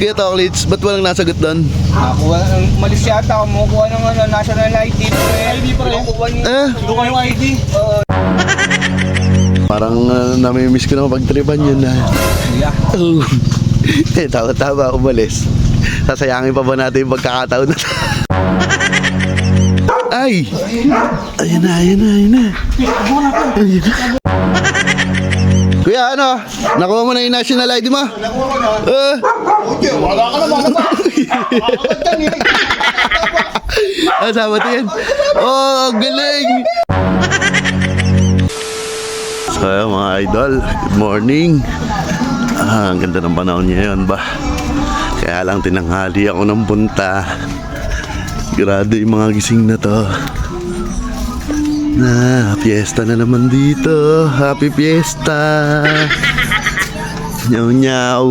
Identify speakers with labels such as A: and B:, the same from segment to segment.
A: Kuya Toklits, ba't walang nasagot doon?
B: Malis yata, kumukuha ng national ID. ID pa rin.
A: Doon
B: kayong ID.
A: Parang namimiss ko na mapagtripan yun na.
B: Yeah.
A: Oh. Tama, umalis. Sasayangin pa ba natin yung pagkakataon na Ay! Ayan na. Ayan na. Kuya, ano? Nakuha mo na yung national ID mo?
B: Wala ka naman.
A: Sabat yan. Oh, galing! So, mga idol, good morning. Ang ganda ng panahon ngayon ba? Kaya lang tinanghali ako ng punta. Grado yung mga gising na to. Fiesta na naman dito. Happy fiesta. Nyaw nyaw.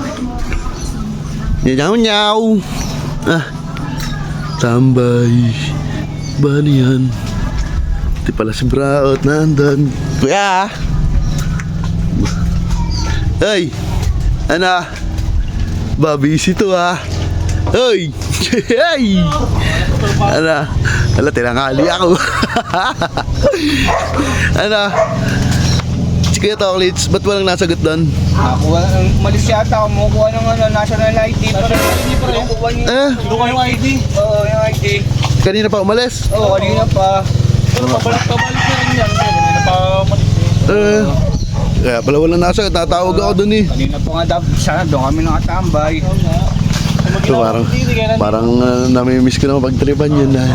A: Nyaw nyaw. Tambay. Bani yan? Di pala si Braot nandun. Kuya! Hey! Ano? Babisi to ha. Hey! Hey! Ano? Ala, tinangali ako. Ano? Si Kuya Toklits, ba't walang nasagot doon?
B: Malis yata, kumukuha ng national ID. Doon kayong ID. Oo, yung ID.
A: Kanina pa umalis?
B: Oo, kanina pa. Pero pabalik na rin yan. Kanina pa umalis eh.
A: Kaya pala walang nasagot, tatawag ako doon eh.
B: Kanina pa nga sana doon kami nakatambay.
A: So, parang namimiss ko na mapagtripan yun na.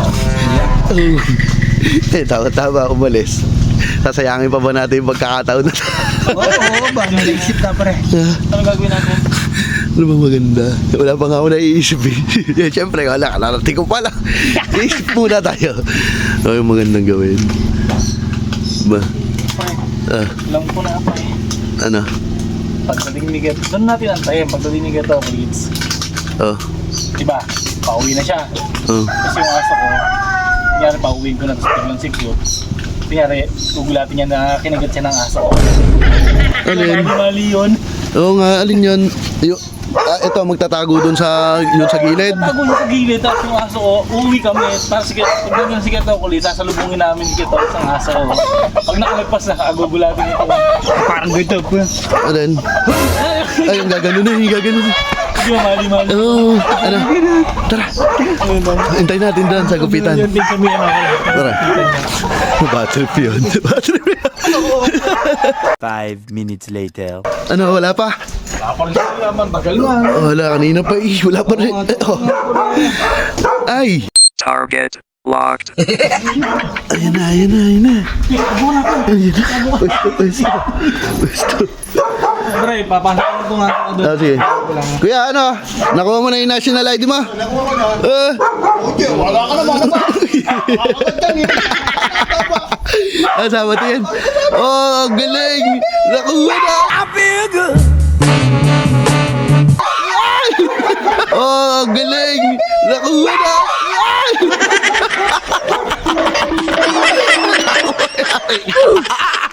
A: Tama, umalis. Sasayangin pa ba natin yung pagkakataon na
B: Oo ba? Naisip na pre. Ano gagawin natin?
A: Ano ba maganda? Wala pa nga ako naiisip eh. Siyempre, wala. Kalarating ko pala. Iisip muna tayo. Ano yung magandang gawin? Ba?
C: Alam ko na pa eh.
A: Ano?
C: Pagdating ni Geto, doon natin antayin. Pagdating ni Geto, please.
A: Diba?
C: Pauwi na siya. Kasi yung aso ko, nangyari pauwiin ko na, tapos biglang siklot. Nangyari, gugulatin niya na kinagat siya ng aso ko.
A: Alin?
C: Mali yun.
A: Oo nga, alin yun? Ito, magtatago dun sa gilid.
C: Tago yung sa gilid, tapos yung aso ko, uuwi kami. Tapos pagdating si Geto kulit, sasalubungin namin si Geto isang aso ko. Pag nakalagpas na, gugulatin ito.
B: Parang ganito po.
A: Alin? Ay, yung gaganon na, yung gaganon na.
C: Hindi mo mali-mali.
A: Oo, ano? Tara. Hintayin natin doon sa gupitan.
C: Yun din kami yan ako.
A: Tara. Bad trip yun. Bad trip yun.
D: 5 minutes later.
A: Ano, wala pa?
C: Kapag siya naman, bagal na.
A: Wala, kanina pa eh. Wala pa rin. Ay!
D: Target locked.
A: Ayan na. Ayan na. Pwesto.
C: Pre, papasok ko nga ako doon.
A: Sige. Kuya, ano? Nakuha mo na yung national ID mo?
B: Wala ka naman.
A: Sabat yan. Oh, galing! Nakuha na! I feel good! Oh, galing! Nakuha na!